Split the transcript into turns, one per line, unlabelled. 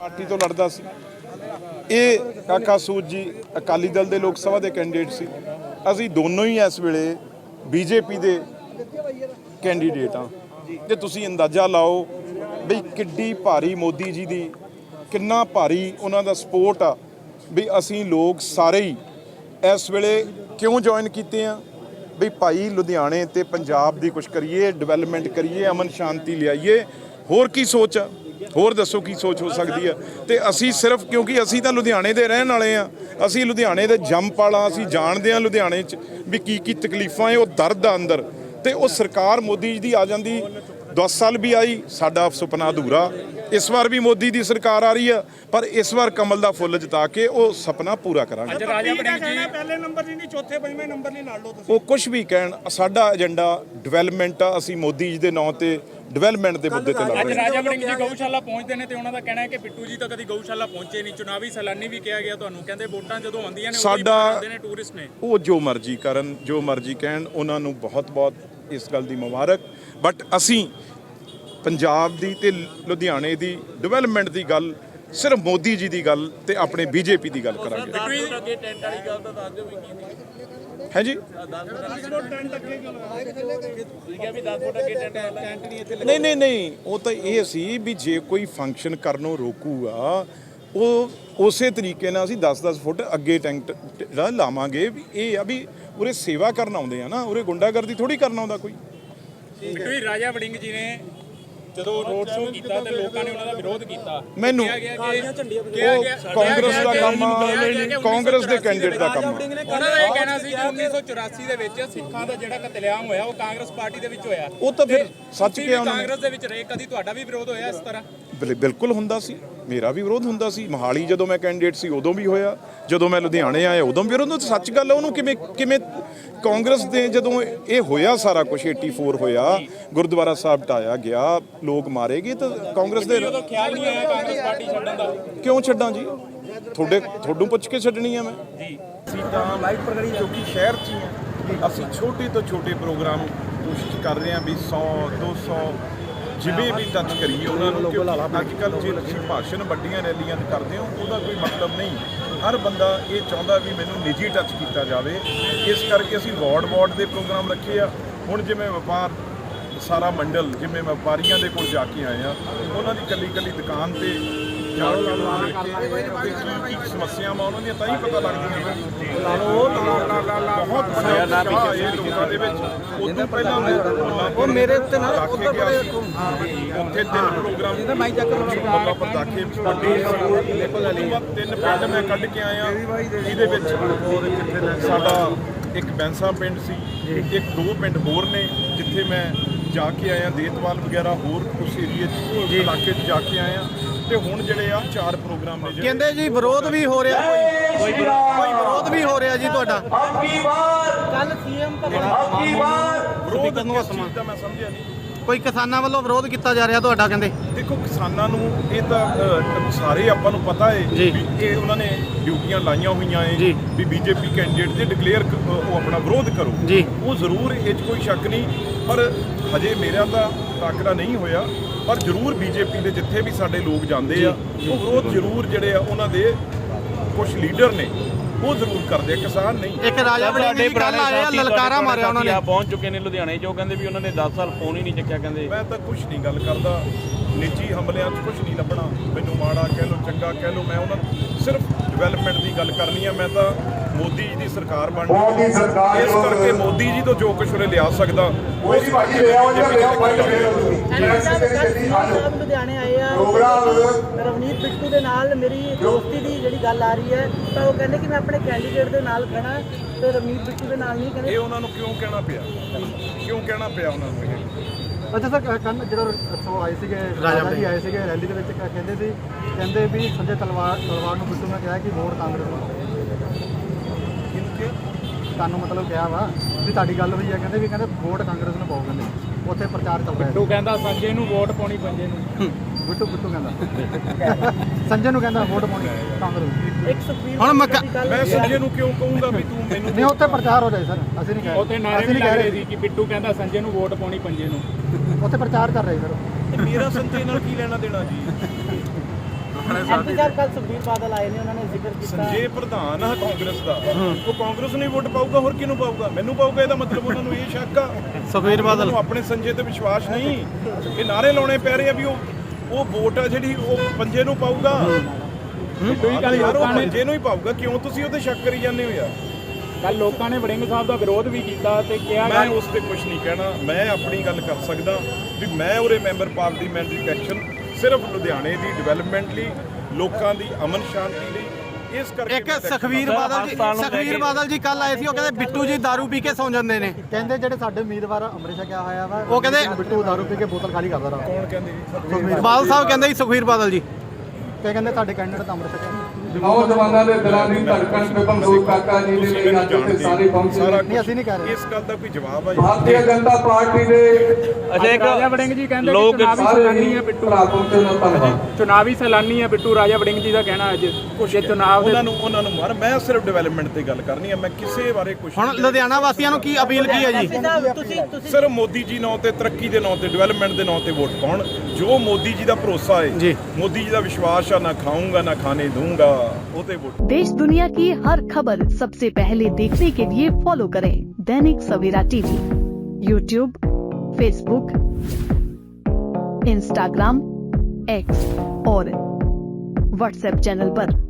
Party ਤੋਂ ਲੜਦਾ ਸੀ। ਇਹ ਕਾਕਾ ਸੂਦ ਜੀ ਅਕਾਲੀ ਦਲ ਦੇ ਲੋਕ ਸਭਾ ਦੇ ਕੈਂਡੀਡੇਟ ਸੀ। ਅਸੀਂ ਦੋਨੋਂ ਹੀ ਇਸ ਵੇਲੇ ਬੀਜੇਪੀ ਦੇ ਕੈਂਡੀਡੇਟ ਹਾਂ। ਤੇ ਤੁਸੀਂ ਅੰਦਾਜ਼ਾ ਲਾਓ ਵੀ ਕਿੱਡੀ ਭਾਰੀ ਮੋਦੀ ਜੀ ਦੀ ਕਿੰਨਾ ਭਾਰੀ ਉਹਨਾਂ ਦਾ ਸਪੋਰਟ ਆ ਵੀ ਅਸੀਂ ਲੋਕ ਸਾਰੇ ਹੀ ਇਸ ਵੇਲੇ ਕਿਉਂ ਜੁਆਇਨ ਕੀਤੇ ਆ ਵੀ ਭਾਈ ਲੁਧਿਆਣੇ ਤੇ ਪੰਜਾਬ ਦੀ ਕੁਛ ਕਰੀਏ, ਡਿਵੈਲਪਮੈਂਟ ਕਰੀਏ, ਅਮਨ ਸ਼ਾਂਤੀ ਲਿਆਈਏ। ਹੋਰ ਕੀ ਸੋਚ ਆ? ਹੋਰ ਦੱਸੋ ਕੀ ਸੋਚ ਹੋ ਸਕਦੀ ਆ? ਤੇ ਅਸੀਂ ਸਿਰਫ ਕਿਉਂਕਿ ਅਸੀਂ ਤਾਂ ਲੁਧਿਆਣੇ ਦੇ ਰਹਿਣ ਵਾਲੇ ਆ, ਅਸੀਂ ਲੁਧਿਆਣੇ ਦੇ ਜੰਮਪਲ, ਅਸੀਂ ਜਾਣਦੇ ਆ ਲੁਧਿਆਣੇ 'ਚ ਵੀ ਕੀ ਤਕਲੀਫਾਂ ਹੈ, ਉਹ ਦਰਦ ਆ ਅੰਦਰ। ਤੇ ਉਹ ਸਰਕਾਰ ਮੋਦੀ ਜੀ ਦੀ ਆ ਜਾਂਦੀ 10 ਸਾਲ ਵੀ ਆਈ, ਸਾਡਾ ਸੁਪਨਾ ਅਧੂਰਾ। ਇਸ ਵਾਰ ਵੀ ਮੋਦੀ ਦੀ ਸਰਕਾਰ ਆ ਰਹੀ ਆ, ਪਰ ਇਸ ਵਾਰ ਕਮਲ ਦਾ ਫੁੱਲ ਜਿਤਾ ਕੇ ਉਹ ਸੁਪਨਾ ਪੂਰਾ ਕਰਾਂਗੇ।
ਪਹਿਲੇ ਨੰਬਰ ਨਹੀਂ, ਚੌਥੇ ਪੰਜਵੇਂ ਨੰਬਰ ਨਹੀਂ ਲੜ ਲਓ ਤੁਸੀਂ।
ਉਹ ਕੁਝ ਵੀ ਕਹਿਣ, ਸਾਡਾ ਏਜੰਡਾ ਡਿਵੈਲਪਮੈਂਟ ਆ। ਅਸੀਂ ਮੋਦੀ ਜੀ ਦੇ ਨਾਂ ਤੇ ਡਿਵੈਲਪਮੈਂਟ ਦੇ ਮੁੱਦੇ ਤੇ ਲੜ ਰਹੇ ਹਾਂ।
ਰਾਜਾ ਵੜਿੰਗ ਜੀ ਗਊਸ਼ਾਲਾ ਪਹੁੰਚਦੇ ਨੇ ਤੇ ਉਹਨਾਂ ਦਾ ਕਹਿਣਾ ਹੈ ਕਿ ਬਿੱਟੂ ਜੀ ਤਾਂ ਕਦੀ ਗਊਸ਼ਾਲਾ ਪਹੁੰਚੇ ਨਹੀਂ। ਚੁਣਾਵੀ ਸੈਲਾਨੀ ਵੀ ਕਿਹਾ ਗਿਆ ਤੁਹਾਨੂੰ, ਕਹਿੰਦੇ ਵੋਟਾਂ ਜਦੋਂ ਆਉਂਦੀਆਂ ਨੇ
ਸਾਡਾ
ਨੇ ਟੂਰਿਸਟ ਨੇ।
ਉਹ ਜੋ ਮਰਜ਼ੀ ਕਰਨ, ਜੋ ਮਰਜ਼ੀ ਕਹਿਣ, ਉਹਨਾਂ ਨੂੰ ਬਹੁਤ ਇਸ ਗੱਲ ਦੀ ਮੁਬਾਰਕ। ਬਟ ਅਸੀਂ ਪੰਜਾਬ ਦੀ ਤੇ ਲੁਧਿਆਣੇ ਦੀ ਡਿਵੈਲਪਮੈਂਟ ਦੀ ਗੱਲ, ਸਿਰਫ ਮੋਦੀ ਜੀ ਦੀ ਗੱਲ ਤੇ ਆਪਣੇ ਬੀਜੇਪੀ ਦੀ ਗੱਲ ਕਰਾਂਗੇ। ਹੈ ਜੀ, ਨਹੀਂ, ਉਹ ਤਾਂ ਇਹ ਸੀ ਵੀ ਜੇ ਕੋਈ ਫੰਕਸ਼ਨ ਕਰਨੋਂ ਰੋਕੂਗਾ, ਉਹ ਉਸੇ ਤਰੀਕੇ ਨਾਲ ਅਸੀਂ 10-10 ਫੁੱਟ ਅੱਗੇ ਟੈਂਟ ਜਿਹੜਾ ਲਾਵਾਂਗੇ। ਵੀ ਇਹ ਆ ਵੀ ਉਰੇ ਸੇਵਾ ਕਰਨ ਆਉਂਦੇ ਆ ਨਾ, ਉਰੇ ਗੁੰਡਾਗਰਦੀ ਥੋੜੀ ਕਰਨ ਆਉਂਦਾ ਕੋਈ।
ਰਾਜਾ ਵੜਿੰਗ ਜੀ ਨੇ ਜਦੋਂ ਰੋਡ ਸ਼ੋਅ ਕੀਤਾ ਤੇ ਲੋਕਾਂ ਨੇ ਉਹਨਾਂ ਦਾ ਵਿਰੋਧ ਕੀਤਾ।
ਮੈਨੂੰ ਕਾਂਗਰਸ ਦਾ ਕੰਮ ਆ, ਕਾਂਗਰਸ ਦੇ ਕੈਂਡੀਡੇਟ ਦਾ ਕੰਮ ਆ।
ਉਹਨਾਂ ਦਾ ਇਹ ਕਹਿਣਾ ਸੀ ਕਿ 1984 ਦੇ ਵਿੱਚ ਸਿੱਖਾਂ ਦਾ ਜਿਹੜਾ ਕਤਲੇਆਮ ਹੋਇਆ ਉਹ ਕਾਂਗਰਸ ਪਾਰਟੀ ਦੇ ਵਿੱਚ ਹੋਇਆ।
ਉਹ ਤਾਂ ਫਿਰ ਸੱਚ ਕਿਹਾ ਉਹਨਾਂ ਨੇ।
ਕਾਂਗਰਸ ਦੇ ਵਿੱਚ ਰਹੇ, ਕਦੀ ਤੁਹਾਡਾ ਵੀ ਵਿਰੋਧ ਹੋਇਆ ਇਸ ਤਰ੍ਹਾਂ?
ਬਿਲਕੁਲ ਹੁੰਦਾ ਸੀ, ਮੇਰਾ ਵੀ ਵਿਰੋਧ ਹੁੰਦਾ ਸੀ। ਮੋਹਾਲੀ ਜਦੋਂ ਮੈਂ ਕੈਂਡੀਡੇਟ ਸੀ ਉਦੋਂ ਵੀ ਹੋਇਆ, ਜਦੋਂ ਮੈਂ ਲੁਧਿਆਣੇ ਆਇਆ ਉਦੋਂ ਵੀ ਵਿਰੋਧ ਹੁੰਦਾ। ਸੱਚ ਗੱਲ ਹੈ। ਉਹਨੂੰ ਕਿਵੇਂ ਕਾਂਗਰਸ ਦੇ ਜਦੋਂ ਇਹ ਹੋਇਆ ਸਾਰਾ ਕੁਝ 84 ਹੋਇਆ, ਗੁਰਦੁਆਰਾ ਸਾਹਿਬ ਢਾਇਆ ਗਿਆ, ਲੋਕ ਮਾਰੇ ਗਏ, ਤਾਂ ਕਾਂਗਰਸ ਦੇ
ਖਿਆਲ ਨਹੀਂ ਆਇਆ ਕਾਂਗਰਸ ਪਾਰਟੀ ਛੱਡਣ ਦਾ?
ਕਿਉਂ ਛੱਡਾਂ ਜੀ? ਤੁਹਾਨੂੰ ਪੁੱਛ ਕੇ ਛੱਡਣੀ ਆ ਮੈਂ ਜੀ। ਅਸੀਂ ਤਾਂ ਕਿਉਂਕਿ ਸ਼ਹਿਰ 'ਚ ਹੀ ਆ, ਅਸੀਂ ਛੋਟੇ ਤੋਂ ਛੋਟੇ ਪ੍ਰੋਗਰਾਮ ਕੋਸ਼ਿਸ਼ ਕਰ ਰਹੇ ਹਾਂ ਵੀ 100-200 ਜਿਵੇਂ ਵੀ ਟੱਚ ਕਰੀਏ ਉਹਨਾਂ ਨੂੰ। ਅੱਜ ਕੱਲ੍ਹ ਜੇ ਤੁਸੀਂ ਭਾਸ਼ਣ ਵੱਡੀਆਂ ਰੈਲੀਆਂ 'ਤੇ ਕਰਦੇ ਹੋ, ਉਹਦਾ ਕੋਈ ਮਤਲਬ ਨਹੀਂ। ਹਰ ਬੰਦਾ ਇਹ ਚਾਹੁੰਦਾ ਵੀ ਮੈਨੂੰ ਨਿੱਜੀ ਟੱਚ ਕੀਤਾ ਜਾਵੇ। ਇਸ ਕਰਕੇ ਅਸੀਂ ਵਾਰਡ ਦੇ ਪ੍ਰੋਗਰਾਮ ਰੱਖੇ ਆ। ਹੁਣ ਜਿਵੇਂ ਵਪਾਰ ਸਾਰਾ ਮੰਡਲ, ਜਿਵੇਂ ਵਪਾਰੀਆਂ ਦੇ ਕੋਲ ਜਾ ਕੇ ਆਏ ਆ, ਉਹਨਾਂ ਦੀ ਕੱਲੀ ਦੁਕਾਨ ਤੇ ਜਾ ਕੇ ਕੀ ਸਮੱਸਿਆਵਾਂ ਉਹਨਾਂ ਦੀਆਂ ਤਾਂ ਹੀ ਪਤਾ ਲੱਗਦੀਆਂ। ਬਹੁਤ ਵੱਡਾ ਇਹ ਲੋਕਾਂ ਦੇ ਵਿੱਚ। ਉਦੋਂ ਪਹਿਲਾਂ ਉਹ ਮੇਰੇ ਉੱਤੇ ਨਾਲ ਉੱਥੇ ਗਿਆ ਸੀ, ਉੱਥੇ 3 ਪ੍ਰੋਗਰਾਮ ਮੁੱਲਾ ਪਤਾਖੇ ਵੱਡੇ 3 ਪਿੰਡ ਮੈਂ ਕੱਢ ਕੇ ਆਇਆ। ਜਿਹਦੇ ਵਿੱਚ ਸਾਡਾ ਇੱਕ ਬੈਂਸਾ ਪਿੰਡ ਸੀ, ਇੱਕ 2 ਪਿੰਡ ਹੋਰ ਨੇ ਜਿੱਥੇ ਮੈਂ ਜਾ ਕੇ ਆਇਆ, ਦੇਤਵਾਲ ਵਗੈਰਾ ਹੋਰ ਉਸ ਏਰੀਏ 'ਚ ਇਲਾਕੇ 'ਚ ਜਾ ਕੇ ਆਇਆ। ਤੇ ਹੁਣ ਜਿਹੜੇ ਆ 4 ਪ੍ਰੋਗਰਾਮ ਨੇ।
ਕਹਿੰਦੇ ਜੀ ਵਿਰੋਧ ਵੀ ਹੋ ਰਿਹਾ, ਕੋਈ ਵਿਰੋਧ ਵੀ ਹੋ ਰਿਹਾ ਜੀ ਤੁਹਾਡਾ। ਕੱਲ ਸੀਐਮ
ਵਿਰੋਧ ਕਿਸ ਚੀਜ਼ ਦਾ ਮੈਂ ਸਮਝਿਆ ਨਹੀਂ।
ਕੋਈ ਕਿਸਾਨਾਂ ਵੱਲੋਂ ਵਿਰੋਧ ਕੀਤਾ ਜਾ ਰਿਹਾ ਤੁਹਾਡਾ, ਕਹਿੰਦੇ?
ਦੇਖੋ, ਕਿਸਾਨਾਂ ਨੂੰ ਇਹ ਤਾਂ ਸਾਰੇ ਆਪਾਂ ਨੂੰ ਪਤਾ ਹੈ ਵੀ ਇਹ ਉਹਨਾਂ ਨੇ ਡਿਊਟੀਆਂ ਲਾਈਆਂ ਹੋਈਆਂ ਹੈ ਵੀ ਬੀਜੇਪੀ ਕੈਂਡੀਡੇਟ ਦੇ ਡਿਕਲੇਅਰ ਉਹ ਆਪਣਾ ਵਿਰੋਧ ਕਰੋ। ਉਹ ਜ਼ਰੂਰ ਇਹ 'ਚ ਕੋਈ ਸ਼ੱਕ ਨਹੀਂ, ਪਰ ਹਜੇ ਮੇਰਾ ਤਾਂ ਟਾਕਰਾ ਨਹੀਂ ਹੋਇਆ। ਪਰ ਜ਼ਰੂਰ ਬੀਜੇਪੀ ਦੇ ਜਿੱਥੇ ਵੀ ਸਾਡੇ ਲੋਕ ਜਾਂਦੇ ਆ, ਉਹ ਵਿਰੋਧ ਜ਼ਰੂਰ ਜਿਹੜੇ ਆ ਉਹਨਾਂ ਦੇ ਕੁਝ ਲੀਡਰ ਨੇ ਉਹ ਜ਼ਰੂਰ ਕਰਦੇ ਆ, ਕਿਸਾਨ ਨਹੀਂ।
ਇੱਕ ਰਾਜਾ ਵੜਿੰਗ ਜੀ ਕੱਲ ਆਏ ਆ, ਲਲਕਾਰਾ ਮਾਰਿਆ ਉਹਨਾਂ ਨੇ।
ਪਹੁੰਚ ਚੁੱਕੇ ਨੇ ਲੁਧਿਆਣੇ, ਜੋ ਕਹਿੰਦੇ ਵੀ ਉਹਨਾਂ ਨੇ 10 ਸਾਲ ਫੋਨ ਹੀ ਨਹੀਂ ਚੱਕਿਆ। ਕਹਿੰਦੇ
ਮੈਂ ਤਾਂ ਕੁਝ ਨਹੀਂ ਗੱਲ ਕਰਦਾ, ਨਿੱਜੀ ਹਮਲਿਆਂ 'ਚ ਕੁਝ ਨਹੀਂ ਲੱਭਣਾ। ਮੈਨੂੰ ਮਾੜਾ ਕਹਿ ਲਓ, ਚੰਗਾ ਕਹਿ ਲਓ, ਮੈਂ ਉਹਨਾਂ ਸਿਰਫ ਡਿਵੈਲਪਮੈਂਟ ਦੀ ਗੱਲ ਕਰਨੀ ਆ। ਮੈਂ ਤਾਂ ਮੋਦੀ ਜੀ ਦੀ ਸਰਕਾਰ ਬਣਨੀ, ਇਸ ਕਰਕੇ ਮੋਦੀ ਜੀ ਤੋਂ ਜੋ ਕੁਝ ਉਹਨੇ ਲਿਆ ਸਕਦਾ ਉਸ
ਲੁਧਿਆਣੇ ਆਏ ਆ। ਰਵਨੀਤ ਬਿੱਟੂ ਦੇ ਨਾਲ ਮੇਰੀ ਦੋਸਤੀ ਦੀ ਜਿਹੜੀ ਗੱਲ ਆ ਰਹੀ ਹੈ, ਤਾਂ ਉਹ ਕਹਿੰਦੇ ਕਿ ਮੈਂ ਆਪਣੇ ਕੈਂਡੀਡੇਟ ਦੇ ਨਾਲ ਖੜਾ ਤੇ ਰਵਨੀਤ ਬਿੱਟੂ ਦੇ ਨਾਲ ਨਹੀਂ। ਕਹਿੰਦੇ
ਇਹ ਉਹਨਾਂ ਨੂੰ ਕਿਉਂ ਕਹਿਣਾ ਪਿਆ ਉਹਨਾਂ ਨੂੰ ਇਹ?
ਅੱਛਾ ਸਰ, ਕੱਲ੍ਹ ਜਿਹੜਾ ਆਏ ਸੀਗੇ ਰਾਜਾ ਜੀ ਆਏ ਸੀਗੇ ਰੈਲੀ ਦੇ ਵਿੱਚ, ਕਹਿੰਦੇ ਵੀ ਸੰਜੇ ਤਲਵਾਰ ਨੂੰ ਬਿੱਟੂ ਨੇ ਕਿਹਾ ਕਿ ਵੋਟ ਕਾਂਗਰਸ ਨੂੰ ਤੁਹਾਨੂੰ ਮਤਲਬ ਕਿਹਾ ਵਾ ਵੀ ਤੁਹਾਡੀ ਗੱਲ ਹੋਈ ਹੈ, ਕਹਿੰਦੇ ਵੋਟ ਕਾਂਗਰਸ ਨੂੰ ਪਾਓ। ਕਹਿੰਦੇ ਉੱਥੇ ਪ੍ਰਚਾਰ ਚੱਲ ਰਿਹਾ।
ਬਿੱਟੂ ਕਹਿੰਦਾ ਸੰਜੇ ਨੂੰ ਵੋਟ ਪਾਉਣੀ ਪੰਜੇ ਨੂੰ।
ਬਿੱਟੂ ਕਹਿੰਦਾ ਸੰਜੇ ਨੂੰ ਕਹਿੰਦਾ ਵੋਟ ਪਾਉਣੀ ਕਾਂਗਰਸ।
ਇੱਕ ਸੁਖਬੀਰ
ਹੁਣ
ਮੈਂ ਸੰਜੇ ਨੂੰ ਕਿਉਂ ਕਹੂੰਗਾ ਵੀ ਤੂੰ ਮੈਨੂੰ?
ਨਹੀਂ, ਉੱਥੇ ਪ੍ਰਚਾਰ ਹੋ ਜਾਏ ਸਰ, ਅਸੀਂ ਨਹੀਂ ਕਹਿ ਰਹੇ।
ਉੱਥੇ ਨਾਰੇ ਵੀ ਲੱਗ ਰਹੇ ਸੀ ਕਿ ਬਿੱਟੂ ਕਹਿੰਦਾ ਸੰਜੇ ਨੂੰ ਵੋਟ ਪਾਉਣੀ ਪੰਜੇ ਨੂੰ।
ਉੱਥੇ ਪ੍ਰਚਾਰ ਕਰ ਰਹੇ ਸਰ।
ਮੇਰਾ ਸੰਜੇ ਨਾਲ ਕੀ ਲੈਣਾ ਦੇਣਾ ਜੀ?
ਐਮਪੀ ਸਾਹਿਬ ਕੱਲ ਸੁਖਬੀਰ ਬਾਦਲ ਆਏ ਨੇ, ਉਹਨਾਂ ਨੇ ਜ਼ਿਕਰ ਕੀਤਾ
ਸੰਜੇ ਪ੍ਰਧਾਨ ਆ ਕਾਂਗਰਸ ਦਾ, ਉਹ ਕਾਂਗਰਸ ਨੂੰ ਹੀ ਵੋਟ ਪਾਊਗਾ, ਹੋਰ ਕਿਹਨੂੰ ਪਾਊਗਾ? ਮੈਨੂੰ ਪਾਊਗਾ। ਇਹਦਾ ਮਤਲਬ ਉਹਨਾਂ ਨੂੰ ਇਹ ਸ਼ੱਕ ਆ
ਸੁਖਬੀਰ ਬਾਦਲ
ਨੂੰ ਆਪਣੇ ਸੰਜੇ ਤੇ ਵਿਸ਼ਵਾਸ ਨਹੀਂ। ਇਹ ਨਾਰੇ ਲਾਉਣੇ ਪੈ ਰਹੇ ਆ ਵੀ ਉਹ ਵੋਟ ਆ ਜਿਹੜੀ ਉਹ ਪੰਜੇ ਨੂੰ ਪਾਊਗਾ। ਯਾਰ ਉਹ ਪੰਜੇ ਨੂੰ ਹੀ ਪਾਊਗਾ, ਕਿਉਂ ਤੁਸੀਂ ਉਹਤੇ ਸ਼ੱਕ ਕਰੀ ਜਾਂਦੇ ਹੋ ਯਾਰ?
ਕੱਲ ਲੋਕਾਂ ਨੇ ਵੜਿੰਗ ਸਾਹਿਬ ਦਾ ਵਿਰੋਧ ਵੀ ਕੀਤਾ ਤੇ ਕਿਹਾ
ਮੈਂ ਉਸ ਤੇ ਕੁਝ ਨਹੀਂ ਕਹਿਣਾ। ਮੈਂ ਆਪਣੀ ਗੱਲ ਕਰ ਸਕਦਾ ਵੀ ਮੈਂ ਉਰੇ ਮੈਂਬਰ ਪਾਰਲੀਮੈਂਟਰੀ ਐਕਸ਼ਨ ਸਿਰਫ ਲੁਧਿਆਣੇ ਦੀ ਡਿਵੈਲਪਮੈਂਟ ਲਈ, ਲੋਕਾਂ ਦੀ ਅਮਨ ਸ਼ਾਂਤੀ ਲਈ, ਇਸ ਕਰਕੇ
ਇੱਕ ਸੁਖਬੀਰ ਬਾਦਲ ਜੀ ਕੱਲ ਆਏ ਸੀ, ਉਹ ਕਹਿੰਦੇ ਬਿੱਟੂ ਜੀ ਦਾਰੂ ਪੀ ਕੇ ਸੌਂ ਜਾਂਦੇ ਨੇ।
ਕਹਿੰਦੇ ਜਿਹੜੇ ਸਾਡੇ ਉਮੀਦਵਾਰ ਅੰਮ੍ਰਿਤ ਛਕਿਆ ਹੋਇਆ ਵਾ,
ਉਹ ਕਹਿੰਦੇ
ਬਿੱਟੂ ਦਾਰੂ ਪੀ ਕੇ ਬੋਤਲ ਖਾਲੀ ਕਰਦਾ ਰਹਾ।
ਕੌਣ ਕਹਿੰਦੇ ਜੀ?
ਬਾਦਲ ਸਾਹਿਬ ਕਹਿੰਦੇ ਜੀ ਸੁਖਬੀਰ ਬਾਦਲ ਜੀ
ਤੇ ਕਹਿੰਦੇ ਸਾਡੇ ਕੈਂਡੀਡੇਟ ਤਾਂ ਅੰਮ੍ਰਿਤ ਛਕਿਆ।
ਨੌਜਵਾਨਾਂ ਦੇ ਦਿਲਾਂ ਦੀ ਧੜਕਣ ਤੇ ਬੰਦੂਕ ਕਾਕਾ ਜੀ ਦੇ ਲਈ ਅੱਜ ਇੱਥੇ ਸਾਰੇ ਪਹੁੰਚੇ
ਸਾਰਾ
ਨੇ।
ਨਹੀਂ, ਅਸੀਂ ਨਹੀਂ ਕਹਿ ਰਹੇ।
ਇਸ ਗੱਲ ਦਾ ਕੋਈ ਜਵਾਬ ਆ ਜੀ?
ਭਾਰਤੀ ਜਨਤਾ ਪਾਰਟੀ ਦੇ
ਰਾਜਾ ਵੜਿੰਗ ਜੀ ਕਹਿੰਦੇ ਕਿ ਚੁਣਾਵੀ
ਸਾਰੇ
ਸੈਲਾਨੀ ਹੈ ਬਿੱਟੂ,
ਭਰਾ ਪਹੁੰਚੇ ਨੇ, ਧੰਨਵਾਦ।
ਚੁਣਾਵੀ ਸੈਲਾਨੀ ਹੈ ਬਿੱਟੂ। ਰਾਜਾ ਵੜਿੰਗ ਜੀ ਦਾ ਕਹਿਣਾ ਅੱਜ ਜੇ ਚੁਣਾਵ ਦੇ
ਉਹਨਾਂ ਨੂੰ ਮਾਰ। ਮੈਂ ਸਿਰਫ ਡਿਵੈਲਪਮੈਂਟ ਤੇ ਗੱਲ ਕਰਨੀ ਆ, ਮੈਂ ਕਿਸੇ ਬਾਰੇ ਕੁਝ
ਹੁਣ ਲੁਧਿਆਣਾ ਵਾਸੀਆਂ ਨੂੰ ਕੀ ਅਪੀਲ ਕੀ ਹੈ ਜੀ?
ਐਮਪੀ ਸਾਹਿਬ ਤੁਸੀਂ
ਸਿਰਫ ਮੋਦੀ ਜੀ ਨਾਂ ਤੇ, ਤਰੱਕੀ ਦੇ ਨਾਂ ਤੇ, ਡਿਵੈਲਪਮੈਂਟ ਦੇ ਨਾਂ ਤੇ ਵੋਟ ਪਾਉਣ। ਜੋ ਮੋਦੀ ਜੀ ਦਾ ਭਰੋਸਾ ਹੈ
ਜੀ,
ਮੋਦੀ ਜੀ ਦਾ ਵਿਸ਼ਵਾਸ ਆ, ਨਾ ਖਾਊਂਗਾ ਨਾ ਖਾਣੇ दूंगा, ਉਹ ਤੇ ਵੋਟ।
देश दुनिया की हर खबर सबसे पहले देखने के लिए फॉलो करें Dainik Savera TV, YouTube, Facebook, Instagram, X और व्हाट्सएप चैनल पर।